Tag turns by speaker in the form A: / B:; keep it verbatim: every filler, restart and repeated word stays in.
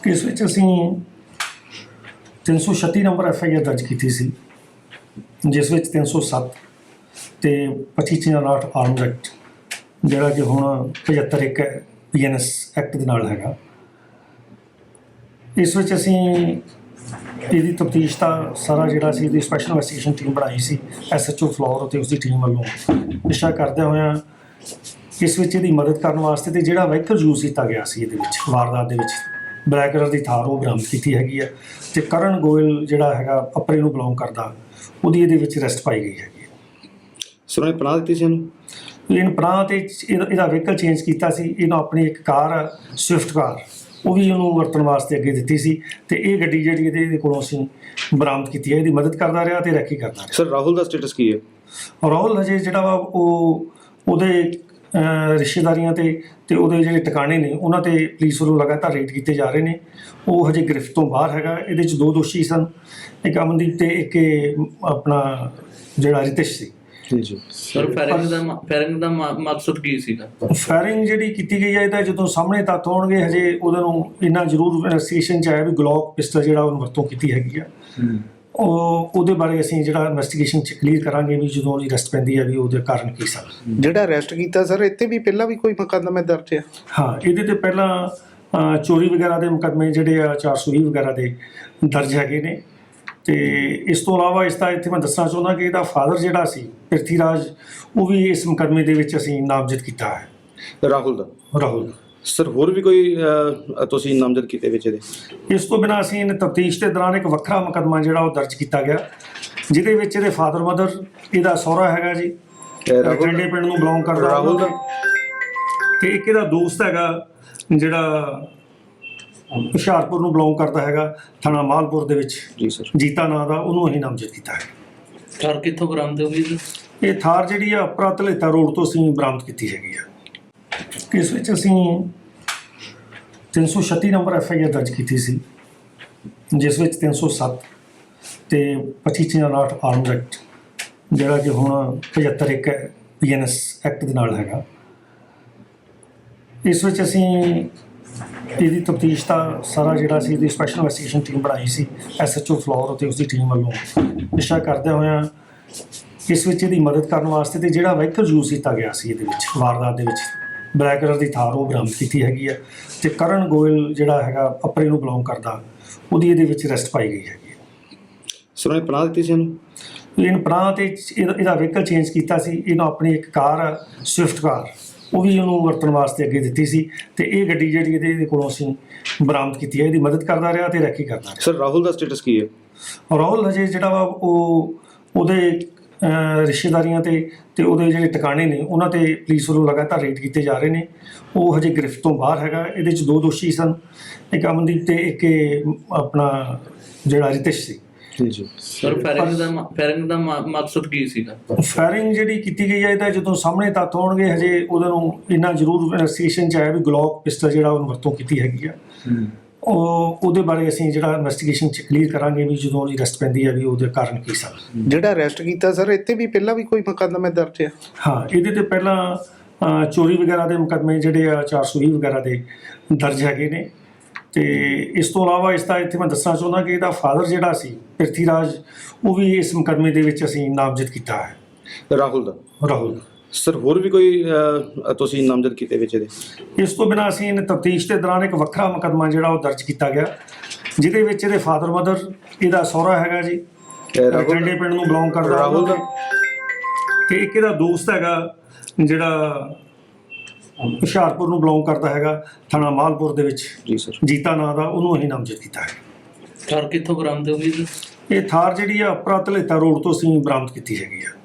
A: ਇਸ ਵਿੱਚ ਅਸੀਂ ਤਿੰਨ ਸੌ ਛੱਤੀ ਨੰਬਰ ਐਫ ਆਈ ਆਰ ਦਰਜ ਕੀਤੀ ਸੀ, ਜਿਸ ਵਿੱਚ ਤਿੰਨ ਸੌ ਸੱਤ ਤੇ ਪੱਚੀ ਉਨਾਹਠ ਆਰਮਜ਼ ਐਕਟ ਜਿਹੜਾ ਕਿ ਹੁਣ ਪਝੱਤਰ ਇੱਕ ਪੀ ਐਨ ਐਸ ਐਕਟ ਦੇ ਨਾਲ ਹੈਗਾ। ਇਸ ਵਿੱਚ ਅਸੀਂ ਇਹਦੀ ਤਫਤੀਸ਼ ਦਾ ਸਾਰਾ ਜਿਹੜਾ ਸੀ ਇਹਦੀ ਸਪੈਸ਼ਲ ਇਨਵੈਸਟੀਗੇਸ਼ਨ ਟੀਮ ਬਣਾਈ ਸੀ, ਐਸ ਐਚ ਓ ਫਲੋਰ ਅਤੇ ਉਸਦੀ ਟੀਮ ਵੱਲੋਂ ਨਿਸ਼ਾ ਕਰਦਿਆਂ ਹੋਇਆਂ ਇਸ ਵਿੱਚ ਇਹਦੀ ਮਦਦ ਕਰਨ ਵਾਸਤੇ ਤੇ ਜਿਹੜਾ ਵਹੀਕਲ ਯੂਜ਼ ਕੀਤਾ ਗਿਆ ਸੀ ਇਹਦੇ ਵਿੱਚ ਵਾਰਦਾਤ ਦੇ ਵਿੱਚ ਬਲੈਕ ਕਲਰ ਦੀ ਥਾਰ ਉਹ ਬਰਾਮਦ ਕੀਤੀ ਹੈਗੀ ਆ ਤੇ ਕਰਨ ਗੋਇਲ ਜਿਹੜਾ ਹੈਗਾ ਅਪਰੇ ਨੂੰ ਬਿਲੋਂਗ ਕਰਦਾ ਉਹਦੀ ਇਹਦੇ ਵਿੱਚ ਅਰੈਸਟ ਪਾਈ ਗਈ ਹੈਗੀ।
B: ਸਰ ਉਹਨੇ ਪਨਾਹ ਦਿੱਤੀ ਸੀ ਇਹਨੂੰ
A: ਇਹਨ ਪਨਾਹ ਤੇ ਇਹਦਾ ਇਹਦਾ ਵਹੀਕਲ ਚੇਂਜ ਕੀਤਾ ਸੀ। ਇਹਨੂੰ ਆਪਣੀ ਇੱਕ ਕਾਰ ਸਵਿਫਟ ਕਾਰ ਉਹ ਵੀ ਉਹਨੂੰ ਵਰਤਣ ਵਾਸਤੇ ਅੱਗੇ ਦਿੱਤੀ ਸੀ ਤੇ ਇਹ ਗੱਡੀ ਜਿਹੜੀ ਇਹਦੇ ਇਹਦੇ ਕੋਲੋਂ ਅਸੀਂ ਬਰਾਮਦ ਕੀਤੀ ਹੈ। ਇਹਦੀ ਮਦਦ ਕਰਦਾ ਰਿਹਾ ਤੇ ਰੈਕੀ ਕਰਦਾ ਰਿਹਾ।
B: ਸਰ ਰਾਹੁਲ ਦਾ ਸਟੇਟਸ ਕੀ ਹੈ?
A: ਰਾਹੁਲ ਹਜੇ ਜਿਹੜਾ ਵਾ ਉਹ ਉਹਦੇ ਰਿਸ਼ਤੇਦਾਰੀਆਂ ਤੇ ਤੇ ਉਹਦੇ ਜਿਹੜੇ ਟਿਕਾਣੇ ਨੇ ਉਹਨਾਂ ਤੇ ਪੁਲਿਸ ਵੱਲੋਂ ਲਗਾਤਾਰ ਰੇਡ ਕੀਤੇ ਜਾ ਰਹੇ ਨੇ। ਉਹ ਹਜੇ ਗ੍ਰਿਫਤ ਤੋਂ ਬਾਹਰ ਹੈਗਾ। ਇਹਦੇ 'ਚ ਦੋ ਦੋਸ਼ੀ ਸਨ, ਇੱਕ ਅਮਨਦੀਪ ਤੇ ਇੱਕ ਆਪਣਾ ਜਿਹੜਾ ਰਿਤਿਸ਼ ਸੀ।
B: ਜੀ
C: ਸਰ ਫਾਇਰਿੰਗ ਦਾ ਫਾਇਰਿੰਗ ਦਾ ਮਕਸਦ ਕੀ ਸੀਗਾ?
A: ਫਾਇਰਿੰਗ ਜਿਹੜੀ ਕੀਤੀ ਗਈ ਹੈ ਇਹਦਾ ਜਦੋਂ ਸਾਹਮਣੇ ਤੱਥ ਹੋਣਗੇ ਹਜੇ ਉਹਨਾਂ ਨੂੰ ਇੰਨਾ ਜ਼ਰੂਰ ਇਨਵੈਸਟੀਗੇਸ਼ਨ 'ਚ ਆਇਆ ਵੀ ਗਲੋਕ ਪਿਸਟਲ ਜਿਹੜਾ ਉਹਨੂੰ ਵਰਤੋਂ ਕੀਤੀ ਹੈਗੀ ਆ। ਉਹ ਉਹਦੇ ਬਾਰੇ ਅਸੀਂ ਜਿਹੜਾ ਇਨਵੈਸਟੀਗੇਸ਼ਨ 'ਚ ਕਲੀਅਰ ਕਰਾਂਗੇ ਵੀ ਜਦੋਂ ਉਹਦੀ ਅਰੈਸਟ ਪੈਂਦੀ ਹੈ ਵੀ ਉਹਦੇ ਕਾਰਨ ਕੀ ਸਨ।
D: ਜਿਹੜਾ ਅਰੈਸਟ ਕੀਤਾ ਸਰ ਇੱਥੇ ਵੀ ਪਹਿਲਾਂ ਵੀ ਕੋਈ ਮੁਕੱਦਮਾ ਦਰਜ ਹੈ?
A: ਹਾਂ, ਇਹਦੇ ਤੇ ਪਹਿਲਾਂ ਚੋਰੀ ਵਗੈਰਾ ਦੇ ਮੁਕੱਦਮੇ ਜਿਹੜੇ ਆ ਚਾਰ ਸੌ ਵੀਹ ਵਗੈਰਾ ਦੇ ਦਰਜ ਹੈਗੇ ਨੇ। ਤੇ ਇਸ ਤੋਂ ਇਲਾਵਾ ਇਸ ਦਾ ਇੱਥੇ ਮੈਂ ਦੱਸਣਾ ਚਾਹੁੰਦਾ ਕਿ ਇਹਦਾ ਫਾਦਰ ਜਿਹੜਾ ਸੀ ਪ੍ਰਿਥੀ ਰਾਜ ਉਹ ਵੀ ਇਸ ਮੁਕੱਦਮੇ ਦੇ ਵਿੱਚ ਅਸੀਂ ਨਾਮਜ਼ਦ ਕੀਤਾ ਹੈ।
B: ਰਾਹੁਲ ਦਾ
A: ਰਾਹੁਲ
B: ਸਰ ਹੋਰ ਵੀ ਕੋਈ ਤੁਸੀਂ ਨਾਮਜ਼ਦ ਕੀਤੇ ਵਿੱਚ ਇਹਦੇ?
A: ਇਸ ਤੋਂ ਬਿਨਾਂ ਅਸੀਂ ਤਫਤੀਸ਼ ਦੇ ਦੌਰਾਨ ਇੱਕ ਵੱਖਰਾ ਮੁਕੱਦਮਾ ਜਿਹੜਾ ਉਹ ਦਰਜ ਕੀਤਾ ਗਿਆ ਜਿਹਦੇ ਵਿੱਚ ਇਹਦੇ ਫਾਦਰ ਮਦਰ, ਇਹਦਾ ਸਹੁਰਾ ਹੈਗਾ ਜੀ ਟੰਡੇ ਪਿੰਡ ਨੂੰ ਬਿਲੋਂਗ ਕਰਦਾ
B: ਰਾਹੁਲ ਦਾ,
A: ਤੇ ਇੱਕ ਇਹਦਾ ਦੋਸਤ ਹੈਗਾ ਜਿਹੜਾ ਹੁਸ਼ਿਆਰਪੁਰ ਨੂੰ ਬਿਲੋਂਗ ਕਰਦਾ ਹੈਗਾ, ਥਾਣਾ ਮਾਲਪੁਰ ਦੇ ਵਿੱਚ
B: ਜੀ ਸਰ
A: ਜੀਤਾ ਨਾਂ ਦਾ, ਉਹਨੂੰ ਅਸੀਂ ਨਾਮਜ਼ਦ ਕੀਤਾ ਹੈ।
C: ਥਾਰ ਕਿੱਥੋਂ ਬਰਾਮਦ ਹੋਈ ਜੀ?
A: ਇਹ ਥਾਰ ਜਿਹੜੀ ਆ ਅਪਰਾ ਧਲੇਤਾ ਰੋਡ ਤੋਂ ਅਸੀਂ ਬਰਾਮਦ ਕੀਤੀ ਹੈਗੀ ਆ। ਇਸ ਵਿੱਚ ਅਸੀਂ ਤਿੰਨ ਸੌ ਛੱਤੀ ਨੰਬਰ ਐਫ ਆਈ ਆਰ ਦਰਜ ਕੀਤੀ ਸੀ, ਜਿਸ ਵਿੱਚ ਤਿੰਨ ਸੌ ਸੱਤ ਤੇ ਪੱਚੀ ਉਨਾਹਠ ਆਰਮਜ਼ ਐਕਟ ਜਿਹੜਾ ਕਿ ਹੁਣ ਪਝੱਤਰ ਇੱਕ ਪੀ ਐਨ ਐਸ ਐਕਟ ਦੇ ਨਾਲ ਹੈਗਾ। ਇਸ ਵਿੱਚ ਅਸੀਂ ਇਹਦੀ ਤਫਤੀਸ਼ ਦਾ ਸਾਰਾ ਜਿਹੜਾ ਸੀ ਇਹਦੀ ਸਪੈਸ਼ਲ ਇਨਵੈਸਟੀਗੇਸ਼ਨ ਟੀਮ ਬਣਾਈ ਸੀ, ਐਸ ਐਚ ਓ ਫਲੋਰ ਅਤੇ ਉਸਦੀ ਟੀਮ ਵੱਲੋਂ ਨਿਸ਼ਾ ਕਰਦਿਆਂ ਹੋਇਆਂ ਇਸ ਵਿੱਚ ਇਹਦੀ ਮਦਦ ਕਰਨ ਵਾਸਤੇ ਤੇ ਜਿਹੜਾ ਵਹੀਕਲ ਯੂਜ਼ ਕੀਤਾ ਗਿਆ ਸੀ ਇਹਦੇ ਵਿੱਚ ਵਾਰਦਾਤ ਦੇ ਵਿੱਚ ਬਲੈਕ ਕਲਰ ਦੀ ਥਾਰ ਉਹ ਬਰਾਮਦ ਕੀਤੀ ਹੈਗੀ ਆ ਤੇ ਕਰਨ ਗੋਇਲ ਜਿਹੜਾ ਹੈਗਾ ਅਪਰੇ ਨੂੰ ਬਿਲੋਂਗ ਕਰਦਾ ਉਹਦੀ ਇਹਦੇ ਵਿੱਚ ਅਰੈਸਟ ਪਾਈ ਗਈ ਹੈਗੀ।
B: ਸਰ ਉਹਨੇ ਪਨਾਹ ਦਿੱਤੀ ਸੀ ਇਹਨੂੰ
A: ਇਹਨ ਪਨਾਹ ਤੇ ਇਹਦਾ ਇਹਦਾ ਵਹੀਕਲ ਚੇਂਜ ਕੀਤਾ ਸੀ। ਇਹਨੂੰ ਆਪਣੀ ਇੱਕ ਕਾਰ ਸਵਿਫਟ ਕਾਰ ਉਹ ਵੀ ਉਹਨੂੰ ਵਰਤਣ ਵਾਸਤੇ ਅੱਗੇ ਦਿੱਤੀ ਸੀ ਤੇ ਇਹ ਗੱਡੀ ਜਿਹੜੀ ਇਹਦੇ ਇਹਦੇ ਕੋਲੋਂ ਅਸੀਂ ਬਰਾਮਦ ਕੀਤੀ ਹੈ। ਇਹਦੀ ਮਦਦ ਕਰਦਾ ਰਿਹਾ ਤੇ ਰੈਕੀ ਕਰਦਾ ਰਿਹਾ।
B: ਸਰ ਰਾਹੁਲ ਦਾ ਸਟੇਟਸ ਕੀ ਹੈ?
A: ਰਾਹੁਲ ਹਜੇ ਜਿਹੜਾ ਵਾ ਉਹ ਉਹਦੇ ਰਿਸ਼ਤੇਦਾਰੀਆਂ ਤੇ ਤੇ ਉਹਦੇ ਜਿਹੜੇ ਟਿਕਾਣੇ ਨੇ ਉਹਨਾਂ ਤੇ ਪੁਲਿਸ ਵੱਲੋਂ ਲਗਾਤਾਰ ਰੇਡ ਕੀਤੇ ਜਾ ਰਹੇ ਨੇ। ਉਹ ਹਜੇ ਗ੍ਰਿਫਤ ਤੋਂ ਬਾਹਰ ਹੈਗਾ। ਇਹਦੇ 'ਚ ਦੋ ਦੋਸ਼ੀ ਸਨ, ਇੱਕ ਅਮਨਦੀਪ ਤੇ ਇੱਕ ਆਪਣਾ ਜਿਹੜਾ ਰਿਤਿਸ਼ ਸੀ।
B: ਜੀ
C: ਸਰ ਫਾਇਰਿੰਗ ਦਾ ਫਾਇਰਿੰਗ ਦਾ ਮਕਸਦ ਕੀ ਸੀਗਾ?
A: ਫਾਇਰਿੰਗ ਜਿਹੜੀ ਕੀਤੀ ਗਈ ਹੈ ਇਹਦਾ ਜਦੋਂ ਸਾਹਮਣੇ ਤੱਥ ਹੋਣਗੇ ਹਜੇ ਉਹਨਾਂ ਨੂੰ ਇੰਨਾ ਜ਼ਰੂਰ ਇਨਵੈਸਟੀਗੇਸ਼ਨ 'ਚ ਆਇਆ ਵੀ ਗਲੋਕ ਪਿਸਟਲ ਜਿਹੜਾ ਉਹਨੂੰ ਵਰਤੋਂ ਕੀਤੀ ਹੈਗੀ ਆ। ਉਹ ਉਹਦੇ ਬਾਰੇ ਅਸੀਂ ਜਿਹੜਾ ਇਨਵੈਸਟੀਗੇਸ਼ਨ 'ਚ ਕਲੀਅਰ ਕਰਾਂਗੇ ਵੀ ਜਦੋਂ ਉਹਦੀ ਅਰੈਸਟ ਪੈਂਦੀ ਹੈ ਵੀ ਉਹਦੇ ਕਾਰਨ ਕੀ ਸਨ।
D: ਜਿਹੜਾ ਅਰੈਸਟ ਕੀਤਾ ਸਰ ਇੱਥੇ ਵੀ ਪਹਿਲਾਂ ਵੀ ਕੋਈ ਮੁਕੱਦਮਾ ਦਰਜ ਹੈ?
A: ਹਾਂ, ਇਹਦੇ ਤੇ ਪਹਿਲਾਂ ਚੋਰੀ ਵਗੈਰਾ ਦੇ ਮੁਕੱਦਮੇ ਜਿਹੜੇ ਆ ਚਾਰ ਸੌ ਵੀਹ ਵਗੈਰਾ ਦੇ ਦਰਜ ਹੈਗੇ ਨੇ। ਤੇ ਇਸ ਤੋਂ ਇਲਾਵਾ ਇਸ ਦਾ ਇੱਥੇ ਮੈਂ ਦੱਸਣਾ ਚਾਹੁੰਦਾ ਕਿ ਇਹਦਾ ਫਾਦਰ ਜਿਹੜਾ ਸੀ ਪ੍ਰਿਥੀ ਰਾਜ ਉਹ ਵੀ ਇਸ ਮੁਕੱਦਮੇ ਦੇ ਵਿੱਚ ਅਸੀਂ ਨਾਮਜ਼ਦ ਕੀਤਾ ਹੈ।
B: ਰਾਹੁਲ ਦਾ
A: ਰਾਹੁਲ
B: ਸਰ ਹੋਰ ਵੀ ਕੋਈ ਤੁਸੀਂ ਨਾਮਜ਼ਦ ਕੀਤੇ ਵਿੱਚ ਇਹਦੇ?
A: ਇਸ ਤੋਂ ਬਿਨਾਂ ਅਸੀਂ ਤਫਤੀਸ਼ ਦੇ ਦੌਰਾਨ ਇੱਕ ਵੱਖਰਾ ਮੁਕੱਦਮਾ ਜਿਹੜਾ ਉਹ ਦਰਜ ਕੀਤਾ ਗਿਆ ਜਿਹਦੇ ਵਿੱਚ ਇਹਦੇ ਫਾਦਰ ਮਦਰ, ਇਹਦਾ ਸਹੁਰਾ ਹੈਗਾ ਜੀ ਟੰਡੇ ਪਿੰਡ ਨੂੰ ਬਿਲੋਂਗ ਕਰਦਾ
B: ਰਾਹੁਲ ਦਾ,
A: ਤੇ ਇੱਕ ਇਹਦਾ ਦੋਸਤ ਹੈਗਾ ਜਿਹੜਾ ਹੁਸ਼ਿਆਰਪੁਰ ਨੂੰ ਬਿਲੋਂਗ ਕਰਦਾ ਹੈਗਾ, ਥਾਣਾ ਮਾਲਪੁਰ ਦੇ ਵਿੱਚ
B: ਜੀ ਸਰ
A: ਜੀਤਾ ਨਾਂ ਦਾ, ਉਹਨੂੰ ਅਸੀਂ ਨਾਮਜ਼ਦ ਕੀਤਾ ਹੈ।
C: ਥਾਰ ਕਿੱਥੋਂ ਬਰਾਮਦ ਹੋਈ ਜੀ?
A: ਇਹ ਥਾਰ ਜਿਹੜੀ ਆ ਅਪਰਾ ਧਲੇਤਾ ਰੋਡ ਤੋਂ ਅਸੀਂ ਬਰਾਮਦ ਕੀਤੀ ਹੈਗੀ ਆ।